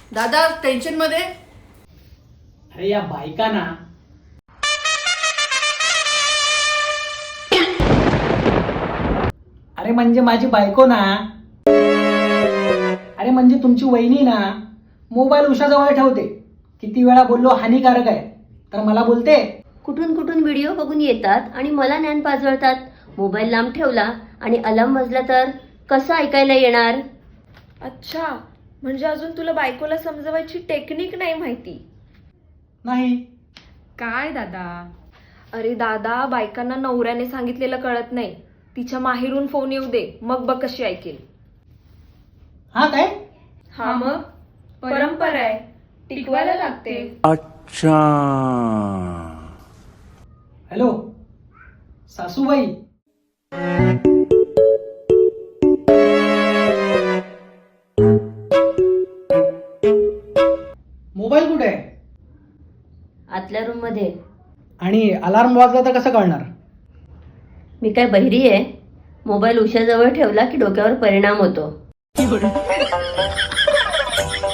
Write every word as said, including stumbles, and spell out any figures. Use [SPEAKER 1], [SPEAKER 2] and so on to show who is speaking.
[SPEAKER 1] दादा टेन्शन मध्ये.
[SPEAKER 2] अरे या बायका ना, अरे म्हणजे माझी बायको ना, अरे म्हणजे तुमची वहिनी ना, मोबाईल उशाजवळ ठेवते. किती वेळा बोललो हानिकारक आहे, तर मला बोलते
[SPEAKER 3] कुठून कुठून व्हिडिओ बघून येतात आणि मला ज्ञान पाजवतात. मोबाईल लांब ठेवला आणि अलार्म वाजला तर कसं ऐकायला येणार?
[SPEAKER 4] अच्छा, म्हणजे अजून तुला बायकोला समजवायची टेक्निक नाही माहिती.
[SPEAKER 2] नाही.
[SPEAKER 4] काय दादा? अरे दादा, बायकांना नवऱ्याने सांगितलेलं कळत नाही. तिच्या माहेरून फोन येऊ दे, मग बघ कशी ऐकेल.
[SPEAKER 2] हा काय?
[SPEAKER 4] हा मग परंपरा आहे, टिकवायला लागते.
[SPEAKER 5] अच्छा.
[SPEAKER 2] हॅलो सासूबाई, मोबाईल कुठे आहे?
[SPEAKER 3] आतल्या रूम मध्ये.
[SPEAKER 2] आणि अलार्म वाजला तर कसं कळणार?
[SPEAKER 3] मी काय बहिरी आहे? मोबाईल उशाजवळ ठेवला की डोक्यावर परिणाम होतो.